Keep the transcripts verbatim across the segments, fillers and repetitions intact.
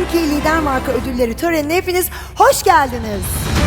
Türkiye Lider Marka Ödülleri törenine hepiniz hoş geldiniz.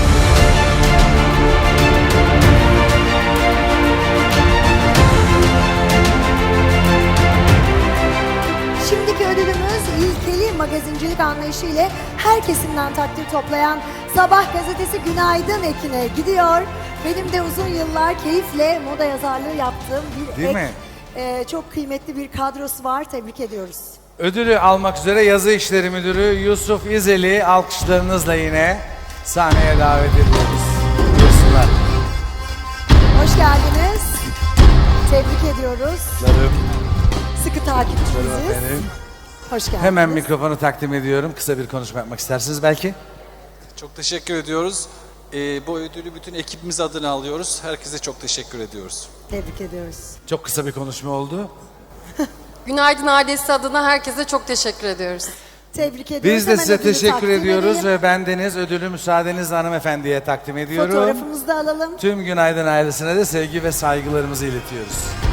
Şimdiki ödülümüz ilkeli magazincilik anlayışı ile her kesimden takdir toplayan Sabah gazetesi Günaydın Ekin'e gidiyor. Benim de uzun yıllar keyifle moda yazarlığı yaptığım bir Değil ek, mi? e, çok kıymetli bir kadrosu var. Tebrik ediyoruz. Ödülü almak üzere Yazı İşleri Müdürü Yusuf İzel'i alkışlarınızla yine sahneye davet ediyoruz. Buyursunlar. Hoş geldiniz. Tebrik ediyoruz. Canım. Sıkı takipçimiziz. Efendim. Hoş geldiniz. Hemen mikrofonu takdim ediyorum. Kısa bir konuşma yapmak istersiniz belki. Çok teşekkür ediyoruz. Ee, bu ödülü bütün ekibimiz adına alıyoruz. Herkese çok teşekkür ediyoruz. Tebrik ediyoruz. Çok kısa bir konuşma oldu. Günaydın ailesi adına herkese çok teşekkür ediyoruz. Tebrik ediyoruz. Biz de Hemen size ödülü teşekkür takdim ediyoruz edelim. ve bendeniz ödülü müsaadenizle hanımefendiye takdim ediyorum. Fotoğrafımızı da alalım. Tüm Günaydın ailesine de sevgi ve saygılarımızı iletiyoruz.